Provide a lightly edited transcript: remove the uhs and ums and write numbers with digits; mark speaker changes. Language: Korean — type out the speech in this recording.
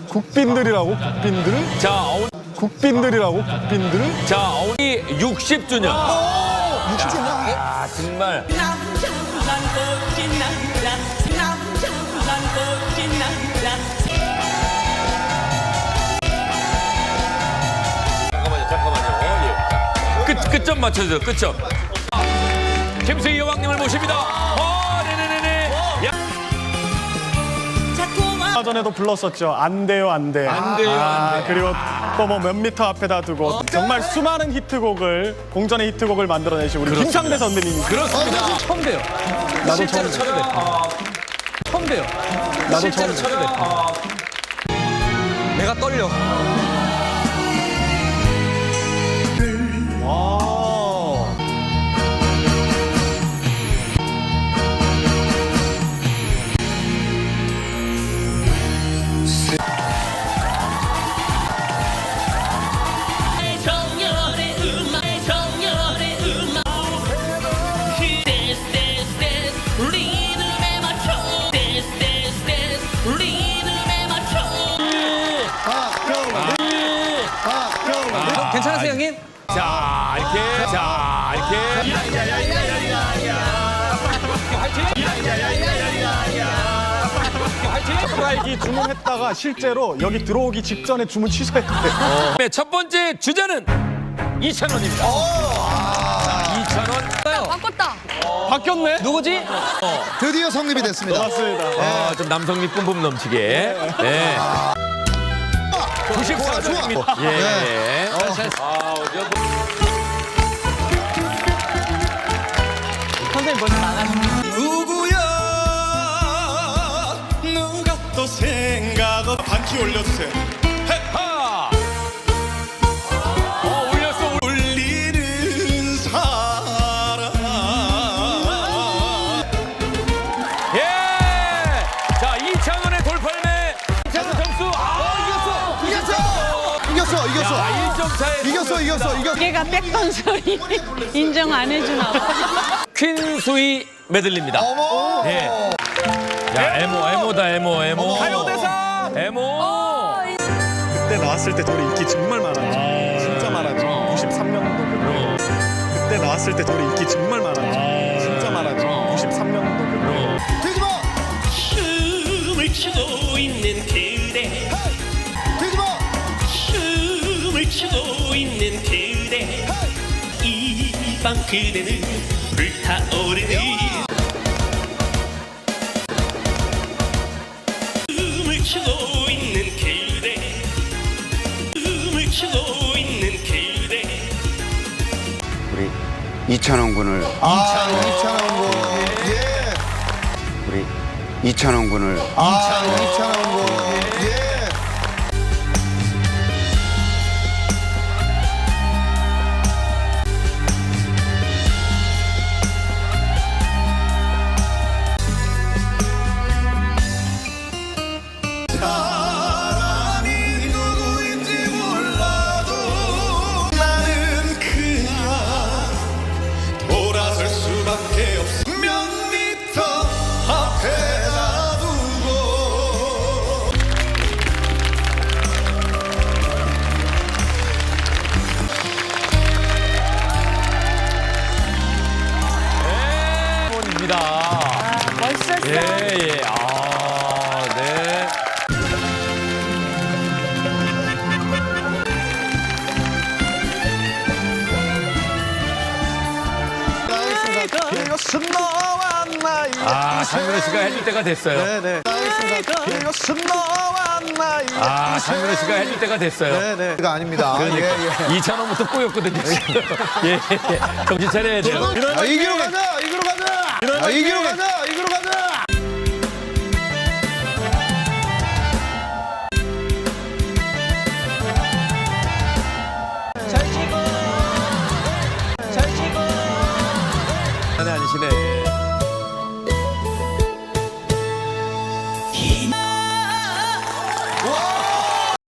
Speaker 1: 국빈들이라고 국빈들?
Speaker 2: 자,
Speaker 1: 국빈들이라고 국빈들?
Speaker 2: 자, 어머니 60주년.
Speaker 1: 60주년.
Speaker 2: 아, 정말.
Speaker 3: 남자만 꽃이 남자 남자만 꽃이 남자
Speaker 2: 잠깐만요. 예. 끝점 맞춰주세요. 끝점. 김수희 여왕님을 모십니다. 네네네네.
Speaker 1: 아까 전에도 불렀었죠. 안 돼요, 안 돼.
Speaker 2: 안 돼요, 안 돼.
Speaker 1: 그리고 또 뭐 몇 미터 앞에다 두고 정말 수많은 히트곡을 공전의 히트곡을 만들어내신 우리 김창대 선배님이.
Speaker 2: 그렇습니다.
Speaker 4: 처음 봬요.
Speaker 1: 나도
Speaker 4: 실제로
Speaker 1: 처음
Speaker 4: 처음 봬요. 처음 봬요.
Speaker 1: 나도
Speaker 4: 실제로
Speaker 1: 처음
Speaker 4: 처음 봬요. 내가 떨려.
Speaker 1: 와.
Speaker 3: 정열의 음악 정열의 음악 댄스 댄스 댄스 리듬에 맞춰 댄스 댄스 댄스 리듬에 맞춰
Speaker 4: 괜찮으세요, 형님?
Speaker 2: 자, 이렇게.
Speaker 1: 스트라이크 주문했다가 실제로 여기 들어오기 직전에 주문 취소했대요.
Speaker 2: 네, 첫 번째 주자는 2,000원입니다. 2,000원.
Speaker 5: 바꿨다.
Speaker 1: 바뀌었네?
Speaker 4: 누구지?
Speaker 6: 드디어 성립이 됐습니다.
Speaker 1: 맞습니다.
Speaker 2: 아, 좀 남성미 뿜뿜 넘치게. 네. 94원입니다. 예.
Speaker 6: 네.
Speaker 2: 아, 어제
Speaker 4: 선생님 벌써 나가시네.
Speaker 7: 누구야 누가 또 생각을 반키 올려주세요.
Speaker 2: 하! 올렸어.
Speaker 7: 울리는 사람
Speaker 2: 예! 자, 2,000원의 돌팔매. 2,000원 점수.
Speaker 6: 이겼어.
Speaker 2: 자, 1점 차에.
Speaker 6: 이겼어.
Speaker 5: 걔가 뺏던 소리 인정 안 해주나 봐.
Speaker 2: 퀸수이 메들리입니다.
Speaker 6: 어머.
Speaker 2: 예. 야, 에모다, 에모.
Speaker 1: 가요대상!
Speaker 2: 에모.
Speaker 1: 그때 나왔을 때 노래 인기 정말 많았죠. 진짜 많았죠. 93년도 그때 나왔을 때 노래 인기 정말 많았죠. 진짜 많았죠. 93년도
Speaker 6: 뒤집어.
Speaker 3: 춤을 추고 있는 그대
Speaker 6: 뒤집어.
Speaker 3: 춤을 추고 있는 그대 이 방 그대는 불타오르는 춤을 추고 있는 그대 춤을 추고 있는 그대
Speaker 8: 우리 이찬원 군을
Speaker 6: 이찬원 군. 예.
Speaker 8: 우리 이찬원 군을
Speaker 6: 이찬원 군. 예.
Speaker 7: 사람이 누구인지 몰라도 나는 그냥 돌아설 수밖에 없어. 몇 미터 앞에다 두고
Speaker 2: 에모입니다.
Speaker 5: 멋있었어.
Speaker 2: 예. 아, 네.
Speaker 1: 이것은 너와 나의
Speaker 2: 아, 장민호 씨가 해줄 때가 됐어요.
Speaker 1: 네네. 이것은 너와 나의
Speaker 2: 아, 장민호 씨가 해줄 때가 됐어요.
Speaker 1: 네네.
Speaker 6: 가 아닙니다.
Speaker 2: 그러니까
Speaker 6: 예.
Speaker 2: 2,000원부터 꼬였거든요. 지금. 예. 정신 차려야 돼요.
Speaker 6: 이기로 가자.